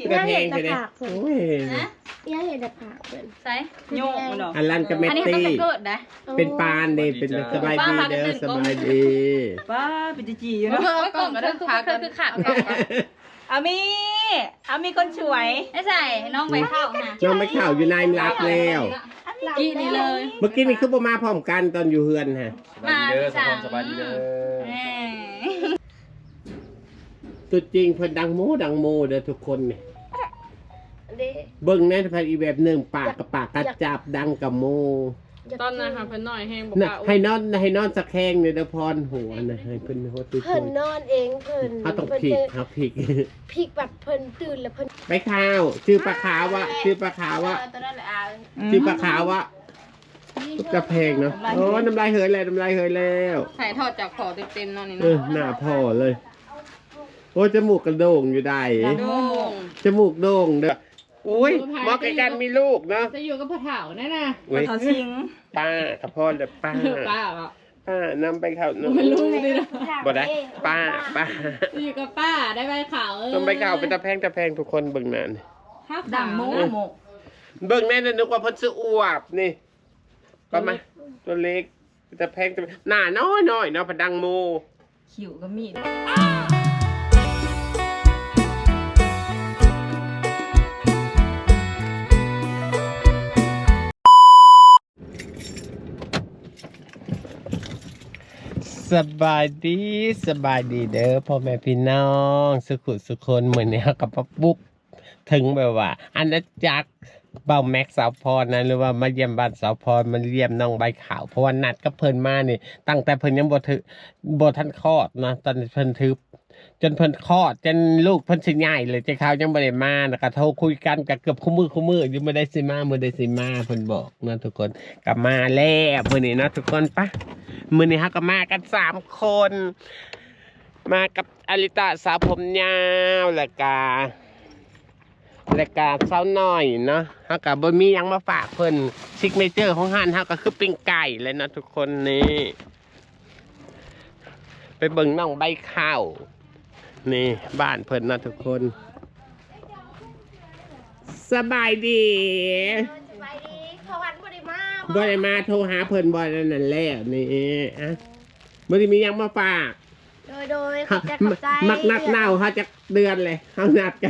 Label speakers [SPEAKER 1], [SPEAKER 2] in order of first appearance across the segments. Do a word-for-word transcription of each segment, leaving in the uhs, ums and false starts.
[SPEAKER 1] กระเพงไปเลยโอ้ย
[SPEAKER 2] นะย่าเห็นแต่ผักเพิ่น
[SPEAKER 3] ใส่โยกมันดอก
[SPEAKER 1] อันลันกับเมต
[SPEAKER 3] อันนี้
[SPEAKER 1] ตี้
[SPEAKER 3] เขาจะเกิดนะ
[SPEAKER 1] เป็นปานเด้เป็นสบายดีเด้อสบายดี
[SPEAKER 4] ป้าเป็นจีอยู่
[SPEAKER 3] เอ
[SPEAKER 4] เนาะ
[SPEAKER 3] อก็คือคือคือขาดกล่อง
[SPEAKER 4] อามีอามีคนสวย
[SPEAKER 3] ไม่ใส่น้องไปเข้านะ
[SPEAKER 1] น้องไม่ข่าวอยู่ในรับแล้ว
[SPEAKER 3] กี่นี่เลย
[SPEAKER 1] เมื่อกี้นี่คือบ่มาพร้อมกันตอนอยู่เฮือนฮะ
[SPEAKER 3] มาสั่ง
[SPEAKER 5] สบายดีเด้อ
[SPEAKER 1] ตัวจริงเพิ่นดังโมดังโมเด้อทุกคนเนี่ย
[SPEAKER 2] เด้
[SPEAKER 1] เบิ่งในพันอีแบบหนึ่งปากกับปากกัดจับดังกับโม
[SPEAKER 6] ตอนนั้นค่ะเพิ่นน้อยแห้งบอก
[SPEAKER 1] น่ะ
[SPEAKER 6] ว่า
[SPEAKER 1] ให้นอนให้นอนสะแคงเนี่ยเด้อพรหัวนะให้เพิ่นโหตุ้ย
[SPEAKER 2] เพิ่นนอนเองเพิ่น
[SPEAKER 1] เขาต้องพลิกครับพลิก
[SPEAKER 2] พลิกแบบเพิ่นตื่นแล้วเพิ่น
[SPEAKER 1] ไปข้าวชื่อปลาขาววะชื่อปลาขาววะ
[SPEAKER 3] ตัวนั้นแหละอ่ะ
[SPEAKER 1] ชื่อปลาขาววะกระเพงเนาะโอ้น้ำลายเหยเลยน้ำลายเหยแล้ว
[SPEAKER 3] ใส่ทอดจากขอเต็มๆนั่นนี่
[SPEAKER 1] เออ
[SPEAKER 3] เนาะ
[SPEAKER 1] หน้าพ่อเลย โอ้จมูกกระโด่งอยู่ได้
[SPEAKER 3] โด่ง
[SPEAKER 1] จมูกโด่งเด้ออุ้ยหมอไก่กันมีลูกเนาะ
[SPEAKER 6] จะอยู่กับพ่อเฒ่าแน่น่ะ
[SPEAKER 1] เว้ย
[SPEAKER 4] เขาสิง
[SPEAKER 1] ป้ากับพ่อเลยป้า
[SPEAKER 6] ป้าเหรอ
[SPEAKER 1] ป้านำไปเข้า
[SPEAKER 6] มันลูกดินะ
[SPEAKER 1] บ่ได้ป้าป้า
[SPEAKER 6] จะอยู่กับป้าได้ใบขาวเออ
[SPEAKER 1] ต้องไปเข้าเป็นตะแพงตะแพงทุกคนเบิ่งนาน
[SPEAKER 6] ข้าว
[SPEAKER 4] ดั
[SPEAKER 6] ขาง ว
[SPEAKER 4] โม
[SPEAKER 6] นะ
[SPEAKER 4] โม
[SPEAKER 1] เบิ่งแน่นนึกว่าเพิ่นซื้ออวบนี่ประมาณตัวเล็กตะแพงตะแพงหน้าน้อยน้อยเนาะพดังโม
[SPEAKER 4] ขิวก็มี
[SPEAKER 1] สบายดีสบายดีเด้อพ่อแม่พี่น้องสุขุสุคนเหมือนเนี้ยกับปุ๊บถึงแบบว่าอันนั้นจักเบาแม็กสาวพรนะหรือว่ามาเยี่ยมบ้านสาวพรมาเยี่ยมน้องใบขาวเพราะว่านัดก็เพิ่นมานี่ตั้งแต่เพิ่นยังบ่ถือบ่ทันคลอดนะตอนเพิ่นทึบจนเพิ่นคลอดจนลูกเพิ่นสิใหญ่เลยเจ้าขาวยังบ่ได้มานะก็โทรคุยกันก็เกือบคู่มือคู่มืออยู่บ่ได้สิมาบ่ได้สิมาเพิ่นบอกนะทุกคนก็มาแล้วมื้อนี้นะทุกคนปะมื้อนี้เฮาก็มากันสามคน มากับอลิตาสาวผมยาวและกาและกาสาวน้อยเนาะเฮาก็บ่มีหยังมาฝากเพิ่นซิกเนเจอร์ของห้านเฮาก็คือปิ้งไก่เลยนะทุกคนนี่ไปเบิ่งน้องใบข้าวนี่บ้านเพิ่นนะทุกคนสบายดี
[SPEAKER 2] สบายดีเขาวันบ่ได้มา
[SPEAKER 1] บ่ได้มาโทรหาเพิ่นบ่นั่นนั่นแหละนี่อ่ะบ่ได้มีหยังมาฝาก
[SPEAKER 2] โดยโดยขอบใจขอบใจ
[SPEAKER 1] มักนัดเน่าเขาจะเดือนเลยเขานัดกัน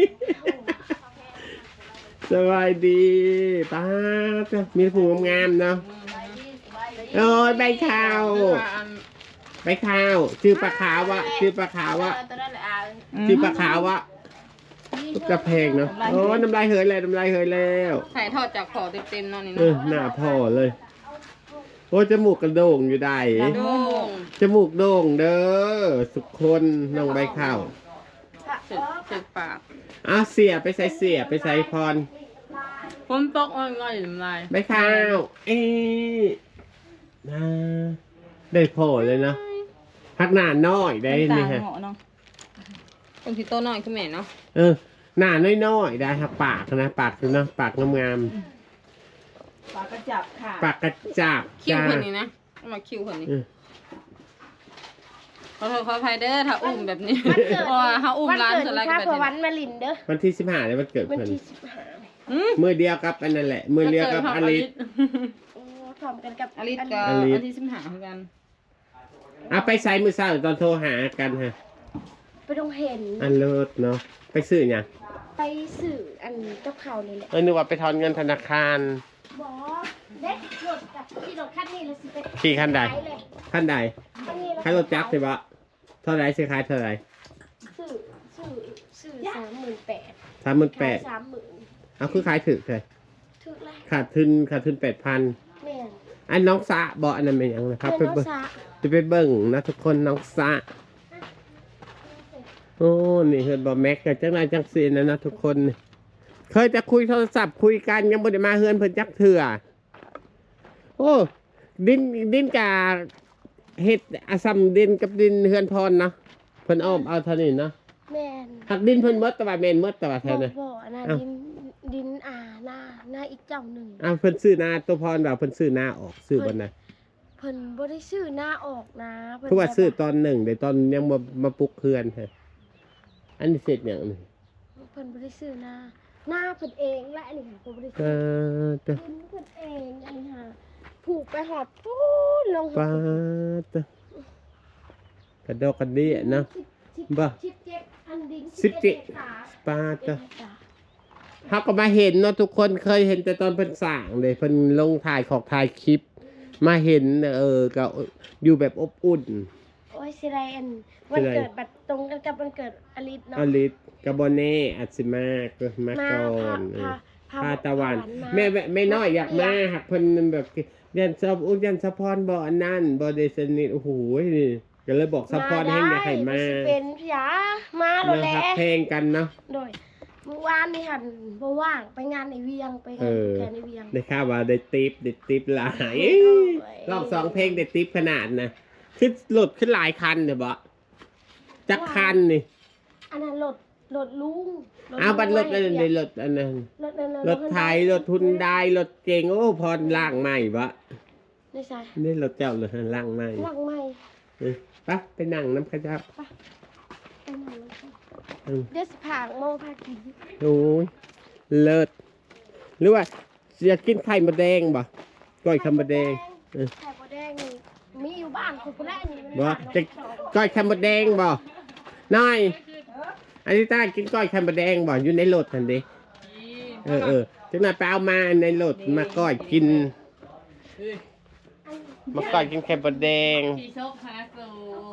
[SPEAKER 1] สบายดีป้าจ้ะมีผู้งามๆเนาะโอ้ยใบขาวใบขาวชื่อปลาขาววะชื่อปลาขาววะ
[SPEAKER 3] ตัวนั้นแหละอ่ะ
[SPEAKER 1] ชื่อปลาขาววะกระเพงเนาะโอ้ยน้ำลายเหยเลยน้ำลายเหยแล้ว
[SPEAKER 3] ใส่ทอดจากขอเต็มๆนั่นนี่
[SPEAKER 1] เอ
[SPEAKER 3] เนาะ
[SPEAKER 1] อหน้าพ่อเลยโอ้ยจมูกกระโด่งอยู่ได้
[SPEAKER 3] โด่ง
[SPEAKER 1] จมูกโด่งเด้อสุกคนน้องใบข้าว
[SPEAKER 3] เสร็จเสร็จปาก
[SPEAKER 1] อ้าวเสียไปใส่เสียไปใส่พร
[SPEAKER 6] ฝนตกอ่อยๆน้ำลาย
[SPEAKER 1] ใบข้าวเอ๊ะน่าได้โผล่เลยเนาะพักหน้าน้อยได้
[SPEAKER 4] ตา
[SPEAKER 1] นี่ฮะ
[SPEAKER 4] เหมาะเนาะ
[SPEAKER 3] เป็นที่โตน้อยขึ้นแม่เนาะ
[SPEAKER 1] เออหน้าน้อยๆได้ครับปากนะปากเนาะปากงาม
[SPEAKER 4] ปากกระจับค่ะ
[SPEAKER 1] ๆปากกระจับ
[SPEAKER 3] คิว
[SPEAKER 1] จ้า
[SPEAKER 3] คนนี้นะเอามาคิวคนนี้
[SPEAKER 1] เออ
[SPEAKER 3] ขอโทษขออภัยเด้อถ้าอุ้มแบบนี้
[SPEAKER 2] วันเกิด
[SPEAKER 3] เพราะว่าถ้าอุ้ม
[SPEAKER 2] วัน
[SPEAKER 3] ร้าน
[SPEAKER 2] เกิด
[SPEAKER 3] สไลด์
[SPEAKER 2] ข้า
[SPEAKER 3] กัน
[SPEAKER 2] พ
[SPEAKER 3] แบบ
[SPEAKER 2] วั
[SPEAKER 3] นี้
[SPEAKER 2] นมาลินเด้อ
[SPEAKER 1] วันที่สิบห้าเลยวันเกิด
[SPEAKER 2] วัน
[SPEAKER 1] เพิ่น
[SPEAKER 2] ที่สิบห้า
[SPEAKER 3] อืม
[SPEAKER 1] มือเดียวกับอันนั่นแหละมือเดียวกับอลิส
[SPEAKER 2] โอ้พร้อมกันกับ
[SPEAKER 3] อลิสกับ
[SPEAKER 1] อลิส
[SPEAKER 3] อันที่สิบห้าเหมือนกัน
[SPEAKER 1] เอาไปใส่มือเศร้าตอนโทรหากันฮะ
[SPEAKER 2] ไปต้องเห็น
[SPEAKER 1] อันเลิศเนาะไปซื้อหยัง
[SPEAKER 2] ไปสื่ออันเจ้าเขาเลยแหละ
[SPEAKER 1] เออนึกว่าไปถอนเงินธนาคาร
[SPEAKER 2] บอเด็กรถกับที่รถคันนี้เลยสิไป
[SPEAKER 1] ขี่คันใด
[SPEAKER 2] ขายเลย
[SPEAKER 1] ขั้นใด
[SPEAKER 2] คันนี้
[SPEAKER 1] ขายรถจักรใช่ปะเท่าไรสิขายเท่าไร
[SPEAKER 2] สื่อสื่อสื่อสามหมื่นแปด
[SPEAKER 1] สามหมื่นแป
[SPEAKER 2] ขาย
[SPEAKER 1] ด
[SPEAKER 2] สามหมื่น
[SPEAKER 1] เอาคือขายถึกเลย
[SPEAKER 2] ถึกเลย
[SPEAKER 1] ขาดทุนขาดทุนแปดพัน
[SPEAKER 2] แม่น
[SPEAKER 1] อันน้องสะบอกอันนั้นเป็นหยังนะครับไป
[SPEAKER 2] เป็น
[SPEAKER 1] เบิ่ง
[SPEAKER 2] น้องสะ
[SPEAKER 1] จะไปเบิ่งนะทุกคนน้องสะโอ้นี่เฮิร์ดบอแม็กกับจังไรจังซีนะนะทุกคนนี่เคยจะคุยโทรศัพท์คุยกันยังบ่ได้มาเฮือนเพิ่นจักเถื่อโอ้ดินดินกาเฮ็ดอาซัมดินกับดินเฮือนพรเนาะเพิ่นอ้อมเอาเท่านี้เนาะ
[SPEAKER 2] แม่น
[SPEAKER 1] หักดินเพิ่นหมดแต่ว่าแม่นหมดแต่ว่า
[SPEAKER 2] บ
[SPEAKER 1] เท่า
[SPEAKER 2] อก
[SPEAKER 1] นั้น
[SPEAKER 2] บอกนะ
[SPEAKER 1] อ้าว
[SPEAKER 2] ดินดินอ่าหน้าหน้าอีกเจ้าหนึ่ง
[SPEAKER 1] อ้าวเพิ่นซื้อหน้าตัวพรแบบเพิ่นซื้อหน้าออกซื้อบ่นะ
[SPEAKER 2] เพิ่นบ่ได้ซื้อหน้าออกนะเพิ่น
[SPEAKER 1] คือว่าซื้อ
[SPEAKER 2] แบบ
[SPEAKER 1] ตอนหนึ่งเดี๋ยวตอนยังมามาปลุกเฮือนฮะอันนี้เสร็จอย่างนี้
[SPEAKER 2] เพิ่นบ่ได้ซื้อหน้าหน้าเพิ่นเองและอันนี้ค่ะเพิ่นบ่ได้
[SPEAKER 1] เอ
[SPEAKER 2] ซื้อ
[SPEAKER 1] อเตะ
[SPEAKER 2] ดินเพิ่นเองอันนี้ค่ะผูกไปหอดพูนลง
[SPEAKER 1] ปาเตะกระดอกกระเดี่ยเนาะ บ่
[SPEAKER 2] สิบเจ็ดอันดิน
[SPEAKER 1] สิบเจ็ด
[SPEAKER 2] เมษา
[SPEAKER 1] ปาเตะ
[SPEAKER 2] เมษา
[SPEAKER 1] เขาก็มาเห็นเนาะทุกคนเคยเห็นแต่ตอนเพิ่นสร้างเลยเพิ่นลงถ่ายของถ่ายคลิป มาเห็นเออก็อยู่แบบอบอุ่น
[SPEAKER 2] โอ้ยสิไรอันวันเกิดบัดตรงกันกับวันเกิดอลิสเนาะ
[SPEAKER 1] อลิสกาโบเน่อัตสิมาก็มา
[SPEAKER 2] มา
[SPEAKER 1] ก่อ
[SPEAKER 2] พาน
[SPEAKER 1] เอ
[SPEAKER 2] พา
[SPEAKER 1] อ
[SPEAKER 2] พา
[SPEAKER 1] พาตะวัน
[SPEAKER 2] มา
[SPEAKER 1] แม่แม่แม่น้อยอยากมาหักเพิ่นแบบยันซับอุ้ยันซัพพรบ่อันนั้นบ่ได้สนิทโอ้โหนี่ก็เลยบอกซัพพรให้อยากให้มา
[SPEAKER 2] ได้เป็นพี่ยามาโล
[SPEAKER 1] นะ
[SPEAKER 2] แล
[SPEAKER 1] ครับเพลงกันเนาะ
[SPEAKER 2] โดยเมื่อวานนี่หันบ่ว่างไปงานในเวียงไปงา
[SPEAKER 1] เอน อ
[SPEAKER 2] แค่ในเวียง
[SPEAKER 1] ได้ข่าวว่าได้ติปได้ติปหลาย
[SPEAKER 2] โอ้ย
[SPEAKER 1] รอบสองเพลงได้ติปขนาดนะขึ้นหลุดขึ้นหลายคันเด้อบ่จักคันนี่
[SPEAKER 2] อันนั้นรถรถลุง
[SPEAKER 1] อ้าวบัดรถอันนั้น
[SPEAKER 2] ร
[SPEAKER 1] ได้
[SPEAKER 2] ถ
[SPEAKER 1] รถอันนั้น
[SPEAKER 2] รถนั้น
[SPEAKER 1] รถไทยรถทุนได้รถเก่งโอ้พรล่างใหม่บ่
[SPEAKER 2] ไม่ใช่
[SPEAKER 1] นี่รถเจ้าเลยล่างใหม่
[SPEAKER 2] หลังใหม่
[SPEAKER 1] เออไปไปนั่งน้ำข้าเจ้า
[SPEAKER 2] ไปหน่อยนะคะ
[SPEAKER 1] อืม
[SPEAKER 2] เดี๋ยวสิผางโมพากิน
[SPEAKER 1] โอ้ยเลิศหรือว่าอยากกินไข่มดแดงบ่ก้อยไข่มดแดงเออ
[SPEAKER 2] ไข่มดแดงนี่มีอยู่บ้านคุณผู้แรกนี่มัน
[SPEAKER 1] บ่
[SPEAKER 2] บ้าน
[SPEAKER 1] จะก้อยไข่มดแดงบ่น้อยอันนี้ต้ากินก้อยไข่มดแดงบ่อยู่ในรถทันเดิเออเออจังหน่อยไปเอามาในรถมาก้อยกินมาก้อยกินไข่มดแดง
[SPEAKER 6] พี่โชคฮาสู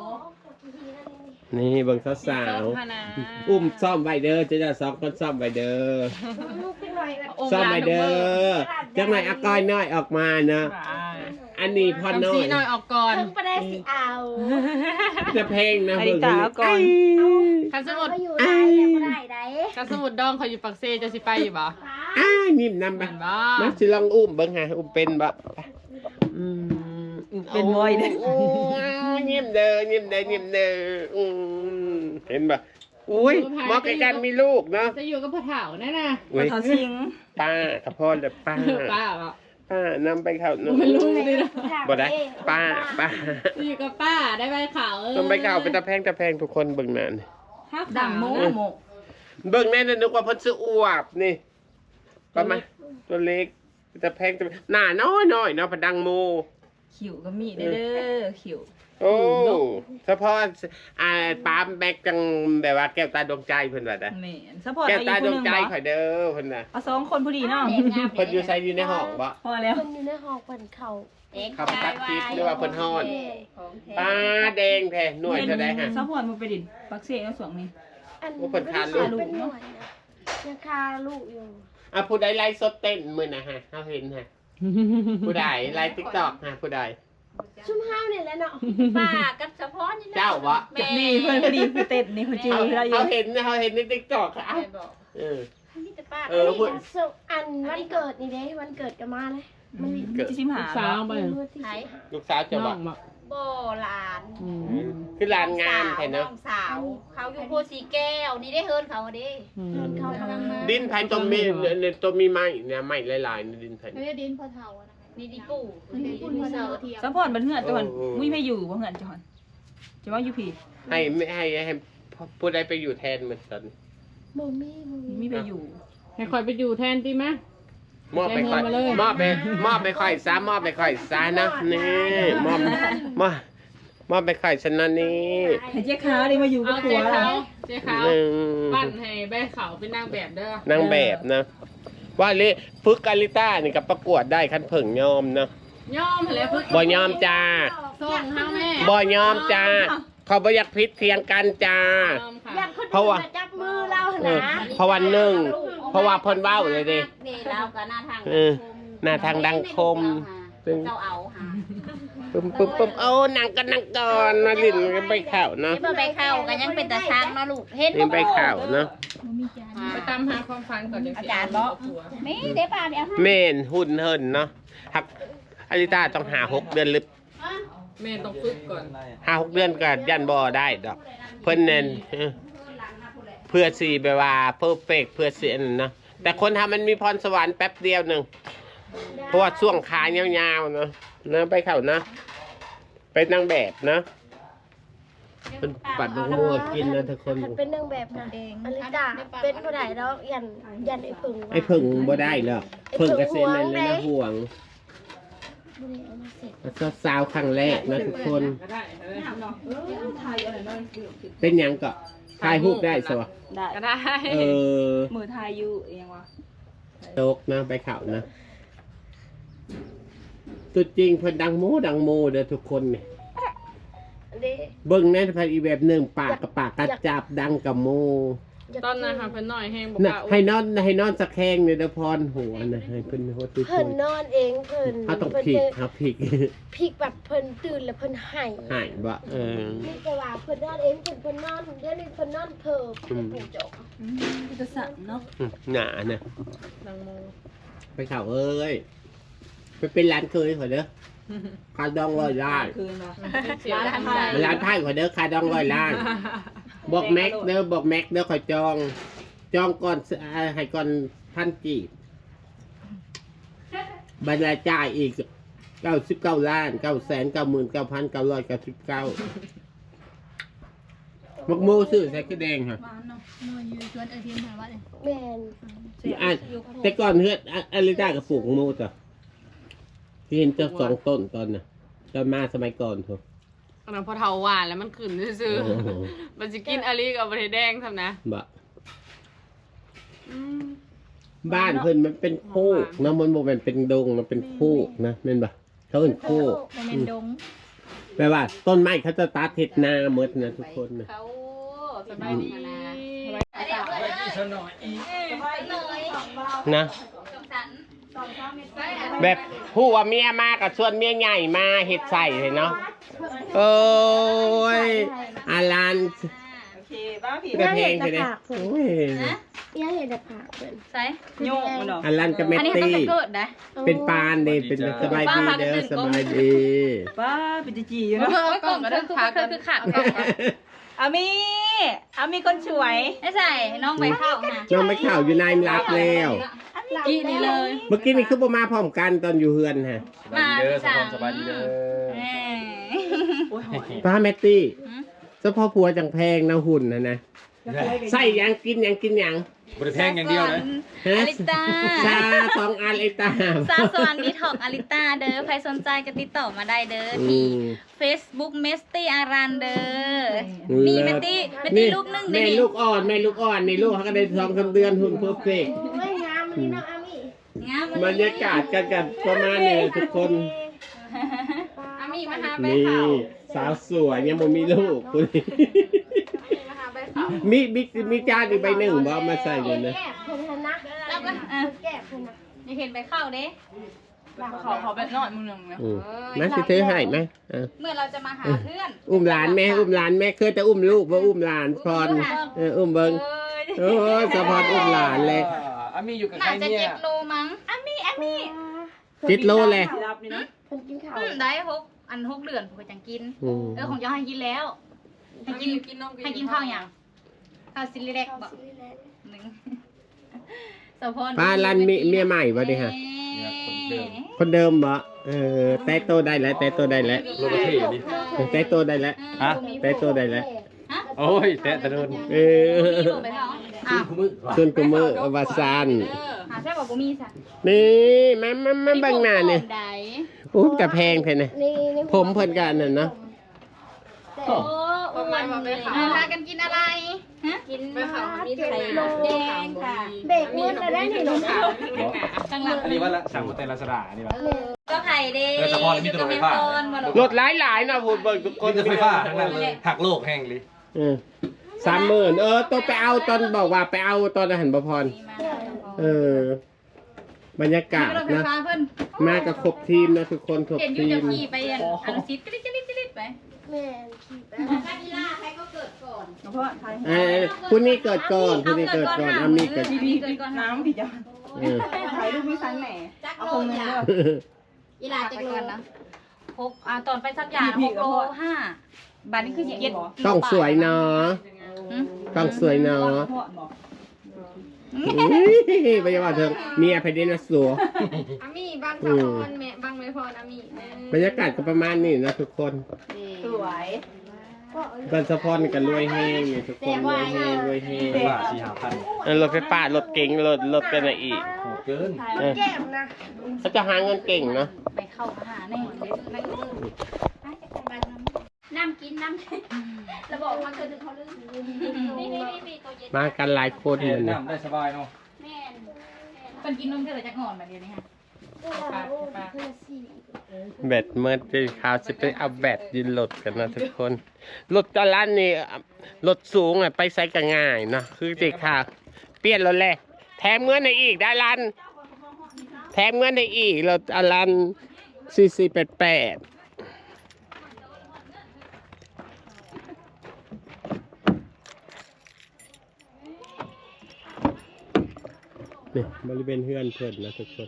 [SPEAKER 1] นี่เบิ่งสาว
[SPEAKER 3] โต๊ะพนา
[SPEAKER 1] ๆอุ้มซ่อมไว้เด้อจะจะสองคนซ่อมไว้เด้อ
[SPEAKER 2] ลูกเป็นหน่อยแบบ
[SPEAKER 1] ซ่อมไว้เด้อจังหน่อยเอาก้อยน้อยออกมาเนาะอันนี้พ่อน้อ
[SPEAKER 3] ทำซี
[SPEAKER 1] ย
[SPEAKER 3] หน่อยออกก่อน
[SPEAKER 2] ถึงประเดี๋ยวสิเอา
[SPEAKER 1] จะเพลงนะ
[SPEAKER 4] อลิตาเอาก่อน
[SPEAKER 3] คันสมุด
[SPEAKER 2] เอาอยู่ได้แล้วก็ได้ได้
[SPEAKER 3] คันสมุดดองเขาอยู่ปักเซจะสิไปอยู่บ่
[SPEAKER 1] อ้านิ่มนำไป
[SPEAKER 3] เห็นบ่
[SPEAKER 1] มาสิลองอุ้มเบิ่งหาอุ้มเป็นบ่อืม
[SPEAKER 4] เป็นบ่อยเด้อ
[SPEAKER 1] โอ้ยยิ้มเด้อยิ้มเด้อยิ้มเด้ออืมเห็นบ่อุ้ยเหมาะกับการมีลูกเนาะ
[SPEAKER 6] จะอยู่กับพ่อเฒ่าแน่น่ะ
[SPEAKER 1] อุ้ย
[SPEAKER 4] เขาสิง
[SPEAKER 1] ป้ากับพ่อเลยป้า
[SPEAKER 6] ป้าเหรอ
[SPEAKER 1] ป้านำไปเข้า
[SPEAKER 6] มันรู้เลยนะ
[SPEAKER 1] บ่ได้ป้าป้า
[SPEAKER 6] จะอยู่กับป้าได้ใบขาวเออ
[SPEAKER 1] ต้องไปเข้าไปตะแพงตะแพงทุกคนเบิ่งนั่น
[SPEAKER 6] ห้า
[SPEAKER 4] ดั
[SPEAKER 6] ขาง ว
[SPEAKER 4] โม
[SPEAKER 6] นะ
[SPEAKER 4] โม
[SPEAKER 1] เบิ่งแน่นนึกว่าเพิ่นซื้ออวบนี่ประมาณตัวเล็กตะแพงตะแพงหน้าน้อยๆเนาะพะดังโม
[SPEAKER 4] ขิวก็มีเด้อขิว
[SPEAKER 1] โอ้เฉพาะอ่าปามแบกจังแบบว่าแก้วตาดวงใจเพิ่นว่าได้
[SPEAKER 4] แม่นซัพพอร์ต
[SPEAKER 1] แก้ว
[SPEAKER 4] เอา
[SPEAKER 1] ตา
[SPEAKER 4] อีก
[SPEAKER 1] ด
[SPEAKER 4] ค
[SPEAKER 1] วน ง
[SPEAKER 4] หนึง
[SPEAKER 1] ใจ
[SPEAKER 4] บ่
[SPEAKER 1] ข่อยเด้อเพิ่นน่ะ
[SPEAKER 4] เอาสองคนพอดีเนาะ
[SPEAKER 1] เพิ่นอยู่ไสอยู่ในห้องบ่
[SPEAKER 4] พอแล้ว
[SPEAKER 2] คนอยู่ในห้องเปิดเขา
[SPEAKER 1] ขับตัดคลิปหรือว่าเพิ่นฮอด
[SPEAKER 3] ของแท้
[SPEAKER 1] ป้าแดงแท้หน่วยเท่าใดฮะ
[SPEAKER 4] ซัพพอร์ตมันไปดินปักเสเอาสองนี่
[SPEAKER 2] อัน
[SPEAKER 1] ว่าเพิ่นคาลูก
[SPEAKER 2] เป็นหน่วยนะยังคาลูกอยู่
[SPEAKER 1] อ่ะผู้ใดไลฟ์สดเต้นมื้อน่ะฮะเฮาเห็นฮะผู้ใดไลฟ์ TikTok ฮะผู้ใด
[SPEAKER 2] ชุ่มห้าวเนี่ยแหละเนาะ
[SPEAKER 3] ป้ากับเฉพาะนี่แหละ
[SPEAKER 1] เจ้าวะ
[SPEAKER 3] แม่
[SPEAKER 4] นี่เพิ่นพอดีคือเต้นนี่เขาจื้อ
[SPEAKER 1] เขา
[SPEAKER 4] เราอยู่
[SPEAKER 1] เขาเห็นเขาเห็นในติ๊กต็อกค่ะ
[SPEAKER 3] แม่บอก
[SPEAKER 1] เออ
[SPEAKER 3] นี่แต่ป้า
[SPEAKER 1] เออพูด
[SPEAKER 2] นนี้สุอันวันเกิดนี่เด้วันเกิดกันมาเลยมันมี
[SPEAKER 1] เกิด
[SPEAKER 4] จิชิมหา
[SPEAKER 6] สาวไป
[SPEAKER 2] เมื่อที่
[SPEAKER 3] ไหน
[SPEAKER 1] ลูกสาวจะ
[SPEAKER 6] น้
[SPEAKER 1] บ
[SPEAKER 6] อ
[SPEAKER 1] อก
[SPEAKER 6] งบอก
[SPEAKER 3] โบหลาน
[SPEAKER 6] อืม
[SPEAKER 1] คือลานงามแท้เนาะ
[SPEAKER 3] น้องสาว เขาอยู่โพสีแก้ว นี่ได้เฮิร์นเขาดิ
[SPEAKER 6] อืม
[SPEAKER 2] เดินเข้าทางมา
[SPEAKER 1] ดินไผ่ตัวมีเนี่ยตัวมีไม้เนี่ยไม้หลายๆในดินไผ่
[SPEAKER 5] ไม่ได้ดินพอเท่าอะนะ
[SPEAKER 3] นี่ดิปู่
[SPEAKER 5] ดินพอเท่าเทียม
[SPEAKER 4] ซัพพอร์ตมันเหือดจังหวัดมุ้ยไม่อยู่บ่เหือดจังหวัดจะว่าอยู่ผิด
[SPEAKER 1] ให้ไม่ให้ให้ผู้ใดไปอยู่แทนเหมือนกัน
[SPEAKER 2] โมมี่โม
[SPEAKER 4] มี
[SPEAKER 2] มี่
[SPEAKER 4] ไปอยู่
[SPEAKER 6] ให้คอยไปอยู่แทนดีไหม
[SPEAKER 1] มอบไปค่อย
[SPEAKER 6] แจ้งเงินมาเลย
[SPEAKER 1] มอบไปมอบไปค่อยซะมอบไปค่อยซะนะนี่มอบมอบมอบไปค่อยฉันนะนี่
[SPEAKER 4] ให้เจ๊ขาวนี่มาอยู่กั
[SPEAKER 6] เอา
[SPEAKER 4] บผั
[SPEAKER 6] เจ๊
[SPEAKER 4] ว
[SPEAKER 6] ขา
[SPEAKER 4] เรา
[SPEAKER 6] วเจ๊ขาว
[SPEAKER 1] หนึ่ง
[SPEAKER 6] ปั้นให้ใบขาวเป็นนางแบบเด้อ
[SPEAKER 1] นางแบบนะ ว่าลิฝึกอาริต้านี่กับประกวดได้คันเพิ่งยอมเนาะ
[SPEAKER 6] ย่อมแล้วพึ่ง
[SPEAKER 1] บ่ยอมจ้า
[SPEAKER 6] ส่งเฮาแม่
[SPEAKER 1] บ่ยอมจ้า เขาบ่อยากพิษเทียงกันจ้า
[SPEAKER 6] ยอมค่ะ
[SPEAKER 2] อยากคน
[SPEAKER 1] เพราะว่า
[SPEAKER 2] อื่นมาจับมือเราห
[SPEAKER 1] เออ
[SPEAKER 2] นะ
[SPEAKER 1] เพราะวันหนึ่ง เพราะว่าเพิ่นเว้าเลยดิ
[SPEAKER 3] นี่เราก็หน้าทาง
[SPEAKER 1] เออหน้าทางดังคม
[SPEAKER 3] เจ้าเอาหา
[SPEAKER 1] ปึ้มปึ้มปึ้มโอ้นางก็นางก่อนมาลิ้นกันไปข่าวเนาะ
[SPEAKER 3] นี่บ่ไปเข้ากันยังเป็นตาช้างเนาะลูก เฮ็ด
[SPEAKER 1] นี่ไปข่าวเนาะ
[SPEAKER 6] ไปตามหาความฝันก่อนจังสิ
[SPEAKER 3] อาจารย์บอกมีเด้ป้าเดี๋ยว
[SPEAKER 1] เมนหุ่นเฮินเนาะหักอาริต้าต้องหาหกเดือนหรือ
[SPEAKER 6] แม่ต้องฝึกก่อน
[SPEAKER 1] หาหกเดือนก็ยันบ่ได้ดอก เพิ่นเน้นเออเพื่อสีแบบว่าเพอร์เฟกเพื่อเสียนนเนาะแต่คนทำมันมีพรสวรรค์แป๊บเดียวหนึ่งเพราะว่าช่วงขายาวๆเนาะนะไปเข้านะเป็นนางแบบนะเป็นปัดลงมือกินนะทุกคน
[SPEAKER 2] คันเป็นนางแบบนะอลิตาเป็นผู้ใดแล้วยันยันไอ้ผึ่ง
[SPEAKER 1] ไอ้เพิ่งบ่ได้หรอกเพิ่งกระเซ็นนั่นเลยนะห่วงแล้วสาวครั้งแรกนะทุกคน เป็นหยังก็ถ่ายรูปได้สิวะ
[SPEAKER 4] ได้
[SPEAKER 6] ก็ได้
[SPEAKER 1] เออ
[SPEAKER 4] มือทายอยู่เองวะ
[SPEAKER 1] โตกนะไปเข่านะตัวจริงเพิ่นดังโมดังโมเด้อทุกคนเนี่ย
[SPEAKER 2] เด้
[SPEAKER 1] เบิ่งในพันอีแบบหนึ่งปากกับปากกระจับดังกับโม
[SPEAKER 6] ตอนนั้นค่ะเพิ่นน้อยแห้งบอก
[SPEAKER 1] น่ะ
[SPEAKER 6] ว่า
[SPEAKER 1] ให้นอนให้นอนสะแคงเนี่ยเด้อพรหัวนะให้เพิ่นหัวตุ้ย
[SPEAKER 2] เพิ่นนอนเองเพิ่น
[SPEAKER 1] เขาต้อง
[SPEAKER 2] เพิ่น
[SPEAKER 1] พลิก
[SPEAKER 2] จะ
[SPEAKER 1] ครับพลิก
[SPEAKER 2] พลิกแบบเพิ่นตื่นแล้วเพิ่นหาย
[SPEAKER 1] หายบ่เออ
[SPEAKER 2] นี่แต่ว่าเพิ่นนอนเองเพิ่นเพิ่นนอนเดี๋ยวนี้เพิ่นนอนเพิ่ม
[SPEAKER 1] อืม
[SPEAKER 2] ผูกจก
[SPEAKER 4] พิจสั่นเนาะ
[SPEAKER 1] อืมหนาน่ะ
[SPEAKER 6] ดังโม
[SPEAKER 1] ไปเข่าเอ้ยไปเป็นร้านเคยขอเด้อคาดองร้อยล้าน
[SPEAKER 4] คืนวะ
[SPEAKER 6] เสียด้านใด
[SPEAKER 1] ร้านไพ่ขอเด้อคาดองร้อยล้าน บอกแม็กเด้อบอกแม็กเด้อขอจอง จองก่อนอ่าให้ก่อนพันกีบบรรยายจ่ายอีกเก้าสิบเก้าล้านเก้าแสนเก้าหมื่นเก้าพันเก้าร้อยเก้าสิบเก้ามักโมซื้อใส่กระแดงค่ะ
[SPEAKER 4] หวานเนาะ
[SPEAKER 5] นัวยืนชวนเออทีมถามว่าเลย
[SPEAKER 2] แม่น
[SPEAKER 1] อ่ะแต่ก่อนเฮือดอ่ะอลิต้ากับปลูกโมจ้ะที่เห็นเจ้าสองต้นตอนน่ะตอนมาสมัยก่อนเถอะ
[SPEAKER 6] ตอนนั้นพอเทาหวานแล้วมันขึ้นซื่อ
[SPEAKER 1] โอ้โห
[SPEAKER 6] ๆมันจะกินอลิกับบะเทแดงทำนะ
[SPEAKER 1] บะ
[SPEAKER 6] อืม
[SPEAKER 1] บ้านเพิ่นมันเป็นโคกนะมันบ่แม่นเป็นดงมันเป็นโคกนะแม่นบ่เขาเป็นโคก
[SPEAKER 5] เป็นเมนดง
[SPEAKER 1] แปลว่าต้นไม้เขาจะตัดเฮ็ดนาหมดนะทุกคนนะ
[SPEAKER 3] เขา
[SPEAKER 6] สบายดี
[SPEAKER 1] นะ แบบผู้ว่าเมียมากับชวนเมียใหญ่มาเฮ็ดใส่เลยเนาะโอ้ยอารัน
[SPEAKER 4] โอเคบ้าผี
[SPEAKER 1] กระเพงไปเลยโอ้ย
[SPEAKER 2] ยังเห็นแต่ผักเพิ่น
[SPEAKER 3] ใส่
[SPEAKER 4] โยกมันดอก
[SPEAKER 1] อารันกับเม
[SPEAKER 3] อันนี้
[SPEAKER 1] ต
[SPEAKER 3] ต้อง
[SPEAKER 1] ตี้
[SPEAKER 3] จะเกิดนะ
[SPEAKER 1] เป็นปานเด้เป็นสบายดีเด้อสบายดี
[SPEAKER 4] ป้าปิจิจี
[SPEAKER 3] เอ
[SPEAKER 4] เนาะ
[SPEAKER 3] อกล่องก็คือขาคือขาด
[SPEAKER 4] อามีอามีคนสวย
[SPEAKER 3] ไม่ใส่น้องใบข้าวนะ
[SPEAKER 1] น้องไม่ข่าวอยู่ในรับแล้ว
[SPEAKER 3] กี่นี่เลย
[SPEAKER 1] เมื่อกี้นี่คือบ่มาพร้อมกันตอนอยู่เฮือนฮะ
[SPEAKER 3] มาสั่ง
[SPEAKER 7] สบายดีเด้อ
[SPEAKER 4] โอ้ยหอย
[SPEAKER 1] ป้าแมตตี้เฉพาะผัวจังแพงนะหุ่นนะนะใส่หยังกินหยังกินหยัง
[SPEAKER 7] บริแพงอย่างเดียวนะ
[SPEAKER 1] ฮะ
[SPEAKER 3] อลิตา
[SPEAKER 1] ชาสองอันไอตาม
[SPEAKER 3] ซาสวรรค์ดีท็อกอลิตาเด้อใครสนใจก็ติดต่อมาได้เด้อ
[SPEAKER 1] อื
[SPEAKER 3] ที่
[SPEAKER 1] ม
[SPEAKER 3] Facebook เมสตี้อารันเด้อนี่เมตตี้เมตตี้ลูกนึงเด้
[SPEAKER 1] แม่
[SPEAKER 3] นี่
[SPEAKER 1] ลูกอ่อนแม่ลูกอ่อนนี่ลูกเขาก็ได้สองสามเดือนหุ่นเพอร์เฟกต์
[SPEAKER 2] โอ้ยงามนี่น้องอามี่
[SPEAKER 3] งาม
[SPEAKER 1] บรรยากาศกันกันประมาณนี้ทุกคน
[SPEAKER 3] อามีมาหาใบ
[SPEAKER 1] นี่
[SPEAKER 3] ข้าว
[SPEAKER 1] สาวสวยยังบ่มีลูกคุณมีมีมีจานอีกใบหนึ่งบ่เอามาใส่เลยนะ
[SPEAKER 2] แก้เพิ่นหั่นนะ
[SPEAKER 3] แล้วก็เออ
[SPEAKER 2] แก้เพิ่นนะ
[SPEAKER 3] นี่เห็นใบข้าวเด้
[SPEAKER 4] เขาเขาแบบนอนมึงหนึ่งนะ
[SPEAKER 1] อืมมาสิเธอให้ไหมเออ
[SPEAKER 3] เมื่อเราจะมาหาเพื่อน
[SPEAKER 1] อุ้มหลานแม่อุ้มหลานแม่เคยแต่อุ้มลูกว่าอุ้มหลานพรเอออุ้มเบิง
[SPEAKER 3] เอ้ย
[SPEAKER 1] โอ้ยสะพอนอุ้มหลานเลย
[SPEAKER 7] อามีอยู่กับใคร
[SPEAKER 3] น่าจะ
[SPEAKER 7] เนี่
[SPEAKER 3] เจ็
[SPEAKER 7] ย
[SPEAKER 3] ดโลมั้งอามีอามี
[SPEAKER 1] จิตโลเลย
[SPEAKER 4] รับนี่นะ
[SPEAKER 2] เพิ่นกินข้าว
[SPEAKER 3] อืมได้หกอันหกเดือนผมก็จังกิน
[SPEAKER 1] อืม
[SPEAKER 3] เออของเจ้าให้กินแล้วให้กิน
[SPEAKER 6] กินนม
[SPEAKER 3] ให้กินข้าวอย่างข้าวซิลิเล็กบอก
[SPEAKER 2] ซื้อแล้ว
[SPEAKER 3] หนึ่งสะพอน
[SPEAKER 1] ป้าลันมีเมียใหม่บ่ดิฮะ
[SPEAKER 7] เนี่ยคนเดิม
[SPEAKER 1] คนเดิมบ่เออแต่โตได้แล้วแต่โตได้แล้ว
[SPEAKER 7] โลประเทศดิ
[SPEAKER 1] แต่โตได้แล้ว
[SPEAKER 7] ฮะ
[SPEAKER 1] แต่โตได้แล้ว
[SPEAKER 3] ฮะ
[SPEAKER 7] โอ้ยแตะตะโดน
[SPEAKER 1] เออ
[SPEAKER 3] มีบ่ไปเขาอ้าว
[SPEAKER 1] ส่วนกุมเมอร์อวสาน
[SPEAKER 3] หาใช่บอกบ่มีสัก
[SPEAKER 1] นี่มามามาเบังหน้าเนี่ย
[SPEAKER 3] ใด
[SPEAKER 1] อู้แต่แพงแท้นะ
[SPEAKER 2] นี่นี่
[SPEAKER 1] ผมเพิ่นกันน่ะเนาะ
[SPEAKER 2] แต่
[SPEAKER 3] โอ้อ้วนเลยอ่ะพากันกินอะไรฮะกิน
[SPEAKER 6] ไปข่าวมี
[SPEAKER 2] เจ็ด
[SPEAKER 6] ไทย
[SPEAKER 2] โล
[SPEAKER 3] แดงค่ะ
[SPEAKER 2] เบรกมืดแล้วได้นี่หนู
[SPEAKER 6] ข่าวไม่รู้หนา
[SPEAKER 3] ข้างหลัง
[SPEAKER 7] อันนี้ว่าละสั่งโมเตลลาสดาอันนี้วะ
[SPEAKER 3] ก็ไข่เด้
[SPEAKER 7] เออสะพอนมีตัวไฟฟ้า
[SPEAKER 1] รถหลายๆนะพูดเบิ่งทุกค
[SPEAKER 7] คน นจะไฟฟ้าทั้งนั้นเลยหักโลกแห้งเลย
[SPEAKER 1] เออสามหมื่นเออต้องไปเอาตอนบอกว่าไปเอาตอนอาหารบพร เออบรรยากาศ
[SPEAKER 3] รถไฟ
[SPEAKER 1] นะ
[SPEAKER 3] ฟ้าเพิ่น
[SPEAKER 1] มากับครบทีมนะทุกคนครบ
[SPEAKER 3] เห็นอยู่
[SPEAKER 1] ที
[SPEAKER 3] จะ
[SPEAKER 1] ม
[SPEAKER 3] ขี่ไปอันอันซิดกริ๊ดกริ๊ดกริ๊ดไป
[SPEAKER 2] แม่ขี่ไป
[SPEAKER 3] ถ้ากีฬาใครก็เกิดก่อน
[SPEAKER 4] เพราะไทย
[SPEAKER 1] เออคุณนี่เกิดก่อนคุณนี่เกิดก่อนอามีเกิด
[SPEAKER 3] พี่พี่เกิดก่อน
[SPEAKER 4] น้ำผีจ้า
[SPEAKER 1] เออ
[SPEAKER 4] ถ่ายรูปไม่ทันแหม
[SPEAKER 3] จัก
[SPEAKER 4] เอา
[SPEAKER 3] โล
[SPEAKER 4] คนนึง
[SPEAKER 3] จ้ะ
[SPEAKER 4] เด้อ
[SPEAKER 3] กีฬาจักโลนะหกอ่าตอนไปสักอย่างหกโลห้าบาทนี่คือเจ็ด
[SPEAKER 1] ต้องสวยเนาะต้องสวยเนาะ
[SPEAKER 4] พ่อบอก
[SPEAKER 1] อุ้ยไปว่าเธอเมียไปเดนสัว
[SPEAKER 6] อามีบางสะพอนแม่บางไม่พออามี
[SPEAKER 1] บรรยากาศก็ประมาณนี้นะทุกคน
[SPEAKER 4] สวย
[SPEAKER 1] บ้านสะพอนกันรวยแห้งนี่ทุกคนรวยแห้งรวยแห้ง
[SPEAKER 7] ว่าสี่ห้าพัน
[SPEAKER 1] เออรถไฟฟ้ารถเก๋งรถรถกันอะไรอีก
[SPEAKER 7] โหเกิน
[SPEAKER 1] เออ
[SPEAKER 2] แก้มนะ
[SPEAKER 1] เขาจะหาเงินเก่งเนาะ
[SPEAKER 3] ไปเข้าหาแน่น้ำกินน้ำกินระบอกมาเกิดถึงเขาลืมนี่นี่นี่ตัวเย็น
[SPEAKER 1] มากันหลายคน
[SPEAKER 7] เห็
[SPEAKER 1] เลย
[SPEAKER 7] น
[SPEAKER 1] นะ
[SPEAKER 7] น้ำได้สบายเนาะ
[SPEAKER 3] แม่เป็นกินนมเธอจะงอนแบบเดียวนี้ฮะ
[SPEAKER 1] แบตเมื่อที่ข่าวจะไปเอาแบตยืนรถกันนะทุกคนรถตอนนั้นนี่รถสูงอ่ะไปใช้กันง่ายเนาะคือเด็กข่าวเปลี่ยนรถแหละแถมเงินในอีกได้ลันแถมเงินในอีกรถอลันสี่สี่แปดแปดนี่บริเวณเฮือนเพิ่นนะทุกคน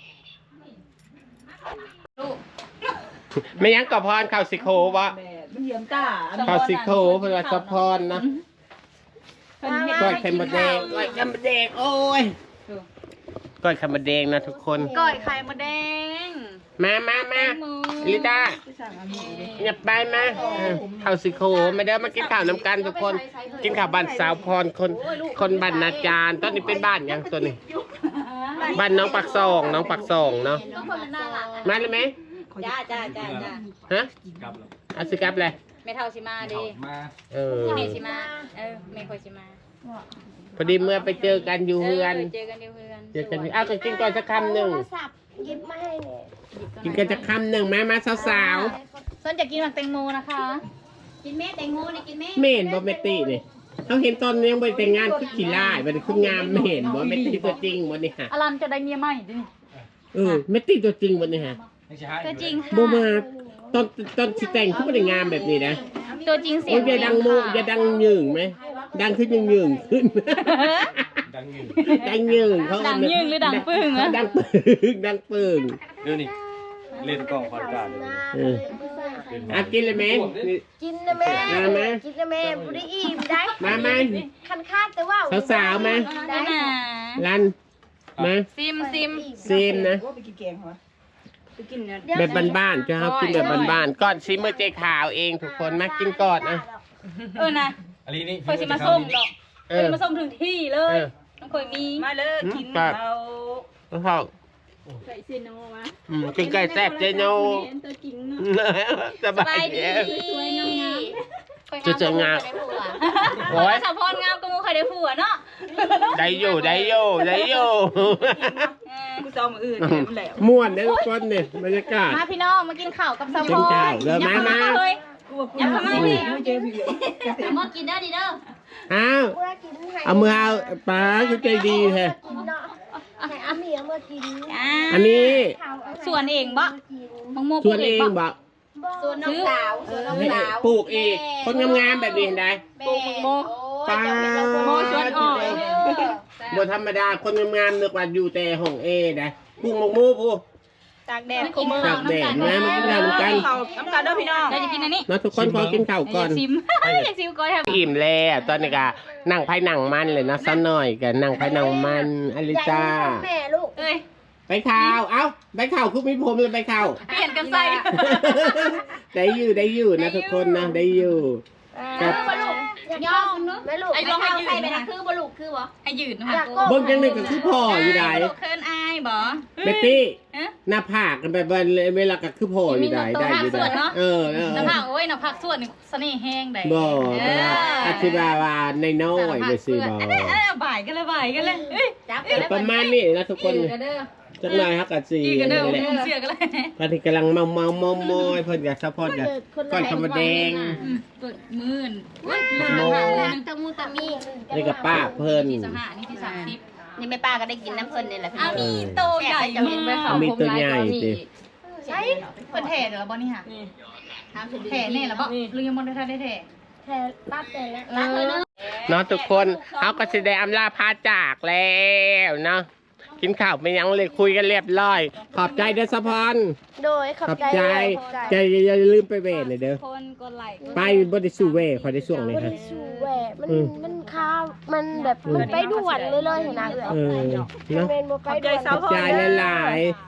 [SPEAKER 1] ไม่ยังกับพรข่าวสิโควะ
[SPEAKER 4] มันเยี่ยมตา
[SPEAKER 1] ข่าวสิโคเพื่อนว่าสะพรนะก้อยไข่มดแดงก้อยไข่มดแดงโอ้ยก้อยไข่มดแดงนะทุกคน
[SPEAKER 3] ก้อยไข่มดแดง
[SPEAKER 1] มามามาลิต้าอย่าไปมาเออข่าวสิโคมาเด้อมากินข้าวน้ำกันทุกคน กินข้าวบ้านสาวพรคนคนบ้านนาจารตอนนี้เป็นบ้านยังตัวนี้บ้านน้องปักซองน้องปักซองเนาะ
[SPEAKER 3] ทุกคนมันน่ารัก
[SPEAKER 1] มาเลยไหม
[SPEAKER 3] จ้าจ้าจ้าจ้า
[SPEAKER 1] ฮะ
[SPEAKER 7] กลับแล้ว
[SPEAKER 1] เอาสิครับเลย
[SPEAKER 3] ไม่เท่าชิมาดิ
[SPEAKER 7] มา
[SPEAKER 1] เออ
[SPEAKER 3] เมชิมาเออเมโคชิมา
[SPEAKER 1] พอดีเมื่อไปเจอกันอยู่เฮือน
[SPEAKER 3] เจอกันเดียวเพื่อน
[SPEAKER 1] เจอกันเอาก็กินก่อนสักคำหนึ่ง
[SPEAKER 2] โทรศัพท์หยิบมาให้เนี่ย
[SPEAKER 1] กินกันสักคำหนึ่งมามาสาว
[SPEAKER 3] ส่วนจะกินหมักแตงโมนะคะ กินเม็ดแตงโมนี่กินเม็ด
[SPEAKER 1] ๆเมนบ่เมตตี้นี่เขาเห็นตอนนี้ยังไปแต่งงานคือขี้ล่ายมันคืองามไม่เห็นบ่เมตตี้ตัวจริงวันนี้ฮะ
[SPEAKER 3] อลันจะได้เมียใหม่ดิ
[SPEAKER 1] เออเมตตี้ตัวจริงวันนี้ฮะ
[SPEAKER 7] ไม่ใช่ให้
[SPEAKER 3] ตัวจริง
[SPEAKER 1] บ่มาตอนตอนสิแต่งเขาไม่ได้งามแบบนี้นะ
[SPEAKER 3] ตัวจริงเสีย
[SPEAKER 1] โอ้
[SPEAKER 3] ง
[SPEAKER 1] ยอย่าดังโมอย่าดังหยึงไหมดังขึ้นยังหยึงขึ้น
[SPEAKER 7] ดังเงิน
[SPEAKER 1] ดังหยึงเขา
[SPEAKER 3] ดังยืงหรือดังปึ้ง
[SPEAKER 1] เขา
[SPEAKER 3] อะ
[SPEAKER 1] ดังปึ้งดังปึ้ง
[SPEAKER 7] เดี๋ยวนี้เล่นกล้องคอนการ์ดเลย
[SPEAKER 1] เอออ่ะกินเลยไหมนี่
[SPEAKER 2] กินนะแม่
[SPEAKER 1] มามา
[SPEAKER 2] กินนะแม่บุได้อิ่มได้
[SPEAKER 1] มามา
[SPEAKER 2] คันคาดแต่ว่า
[SPEAKER 1] สาวๆมา
[SPEAKER 3] ได้นะ
[SPEAKER 1] รันมา
[SPEAKER 3] ซิมซิม
[SPEAKER 1] ซีมนะ
[SPEAKER 4] ว่าไปกินแกงเหรอไปกินเนี่ย
[SPEAKER 1] แบบบ้านๆจะครับกินแบบบ้านๆก่อนซิมเมอร์เจขาวเองทุกคนมากินก่อนอ่ะ
[SPEAKER 3] เออนะ
[SPEAKER 7] อันนี้นี่
[SPEAKER 3] เคยสิมาส่งดอก
[SPEAKER 1] เอ
[SPEAKER 3] เคย
[SPEAKER 1] อ
[SPEAKER 3] มาส่งถึงที่เล
[SPEAKER 1] เอย อ
[SPEAKER 3] ต้องเคยมี
[SPEAKER 4] มาเลยกิน
[SPEAKER 1] ครับ
[SPEAKER 4] เรา
[SPEAKER 1] แล้วเขา
[SPEAKER 6] ใส่เซโนมา
[SPEAKER 1] อืมกินไก่แซ่บเจโน
[SPEAKER 6] เห็นตัวจริงเนาะ
[SPEAKER 1] ส
[SPEAKER 3] ส
[SPEAKER 1] บา
[SPEAKER 3] บาย ย
[SPEAKER 1] ดี
[SPEAKER 3] ดี
[SPEAKER 6] สวยงาม
[SPEAKER 1] จะเจองาม
[SPEAKER 3] โอ้ยสาวพรงามก็มูเคยได้ผัวเนาะ
[SPEAKER 1] ได้อยู่ได้อยู่ได้อยู่
[SPEAKER 3] เออ
[SPEAKER 4] กูจะเอามืออื่นเนี่ยมันแหลว
[SPEAKER 1] ม่วนเนี่ยทุกคนเนี่ยบรรยากาศ
[SPEAKER 3] มาพี่น้องมากินข้าวกับสาวพ
[SPEAKER 1] กิ
[SPEAKER 3] ร
[SPEAKER 1] นข้าวเด้อมามา
[SPEAKER 3] เฮ้ย
[SPEAKER 4] กูว่ากู
[SPEAKER 3] อย่าทำไมดิ
[SPEAKER 4] ไม่เจอพี่เลย
[SPEAKER 3] มากินเด้อดิเด้อ
[SPEAKER 1] อ้าว
[SPEAKER 2] เมื่อกินให้
[SPEAKER 1] เอามือเอาป้าคือใจดีแท้
[SPEAKER 2] กินเนาะให้อาเมียเมื่อกิน
[SPEAKER 1] อันนี้
[SPEAKER 3] ส่วนเองบ่มังโม
[SPEAKER 1] ชวนเองบอก
[SPEAKER 2] ส่วนน้องสาวส่วนน้อง
[SPEAKER 1] ให้
[SPEAKER 2] สาว
[SPEAKER 1] ปลูกเองคนงามๆแบบนี้เห็นไหม
[SPEAKER 2] ปลูกโม
[SPEAKER 1] ป้า
[SPEAKER 3] โมชวนออก
[SPEAKER 1] บ่ธรรมดาคนงามๆนึกว่าอยู่แต่ห้องเอนะปลูกหมกมูผู้
[SPEAKER 3] ตากแดดกูมือ
[SPEAKER 1] ตากแดดนะมากินข้าวกัน
[SPEAKER 4] เขาน้ำตาลด้วยพี่น้อง
[SPEAKER 3] เราจะกินอันนี้
[SPEAKER 1] มาทุกคนขอกินข้าวก่อน
[SPEAKER 3] อยากซิมอยากซิมก่อนครับ
[SPEAKER 1] อิ่มแล้วตอนนี้ก็นั่งไพ่นั่งมันเลยนะสักหน่อยกันนั่งไพ่นั่งมันอลิจ้า
[SPEAKER 2] แม่ลูก
[SPEAKER 3] เอ้ย
[SPEAKER 1] ไปข่าวเอ้าไปข่าวคุกมีผมเลยไปข่าว
[SPEAKER 3] เปลี่ยนกันใส่
[SPEAKER 1] ได้อยู่ได้อยู่นะทุกคนนะได้อยู่กับ
[SPEAKER 2] ย่อมแม่ลูก
[SPEAKER 3] ไอ้ลองให้ยืนใส่ไปนะคือบลูกคือบ่ให้ยืนนะ
[SPEAKER 2] อยาก
[SPEAKER 1] เบิ้งจังหนึ่งก็คือพ่ออยู่ได้
[SPEAKER 3] ลูกเคินอายบ่
[SPEAKER 1] เบตตี้
[SPEAKER 3] เอ๊ะ
[SPEAKER 1] หน้าผากกันแบบว่าเวลาก็คือพ่ออยู่ได้ได้อยู่ได้เออเออ
[SPEAKER 3] น้ำผักโอ้ยน้ำผักส่วนนี่เสน่ห์แห้งได้
[SPEAKER 1] บ่อธิบายว่าในน้อยไปสิบ่
[SPEAKER 3] เอ้ยเอ้ยบ่ายกันเลยบ่ายกันเลยเอ้ยจับกันเลย
[SPEAKER 1] ประมาณนี้นะทุกคนจังหน่อยฮักกันสิ
[SPEAKER 3] อีกันเด้อ
[SPEAKER 1] นี่แหละ
[SPEAKER 3] เสือกันเลย
[SPEAKER 1] ตอนนี้กำลังเมาเมาเมามอยเพิ่นกับซัพพอร์ตกับก้อนคำว่าแดง
[SPEAKER 3] ตัวมื่น
[SPEAKER 1] โม
[SPEAKER 2] ตะมูตะมี
[SPEAKER 1] นี่กับป้าเพิ่น
[SPEAKER 3] ที่สหานี่ที่สามสิบ
[SPEAKER 6] นี่แม่ป้าก็ได้กินน้ำเพิ่นนี่แหละพี่
[SPEAKER 3] อ้าวมีโตใหญ่
[SPEAKER 6] จะเห็นไปเขา
[SPEAKER 1] มีตัวใหญ่สิ
[SPEAKER 3] ใช่เปิดแถ่เดี๋ยวบ่นี่ค่ะแถ่เนี่ยแล้วบ่ลืมยังบ่ได้ทันได้แถ่
[SPEAKER 2] แค่ตัดแต่ละ
[SPEAKER 3] เออ
[SPEAKER 1] เนาะทุกคนเขาก็สิได้อำลาพาจากแล้วเนาะกินข้าวไปยังเลยคุยกันเรียบร้อย ขอบใจเด้อสะพอน
[SPEAKER 2] โดยขอบ
[SPEAKER 1] ขอบ
[SPEAKER 2] ใจ
[SPEAKER 1] ใจ
[SPEAKER 2] ขอบใจ
[SPEAKER 1] ใจอย่าลืมไปเวทเลยเด้อ
[SPEAKER 3] คนกดไลค์
[SPEAKER 1] ไปบ่ได้สู้เวทขอได้ช่วงนี้
[SPEAKER 2] มัน
[SPEAKER 1] ฮะ
[SPEAKER 2] สูแหวะมัน
[SPEAKER 1] อืม
[SPEAKER 2] มันค้ามันแบบมันไปด่วนเลยเลยเห็นนะเอ๋
[SPEAKER 1] เออ
[SPEAKER 2] มัน
[SPEAKER 1] เนาะ
[SPEAKER 2] เป็นบ่ไปด่วน
[SPEAKER 1] ขอบใจหลายๆ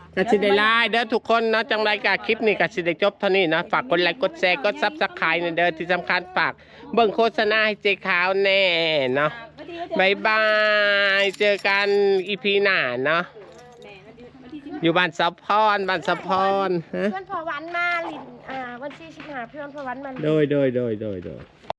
[SPEAKER 1] กสิได้ไลน์เด้อทุกคนเนาะจังไรกะคลิปนี้กสิได้จบเท่านี้เนาะฝากกดไลค์กดแชร์กดซับสไครต์เด้อที่สำคัญฝากเบิ่งโฆษณาให้เจ๊ขาวแน่เนาะบายบายเจอกันอีพีหน้าเนาะอยู่บ้านสะพรบ้านสะพรฮะ
[SPEAKER 2] เพื่อนพอวันมาลินอ่าวันที่สิบห้าเพื่อนพอวันมาลิน
[SPEAKER 1] โดยโดยโดยโดยโดย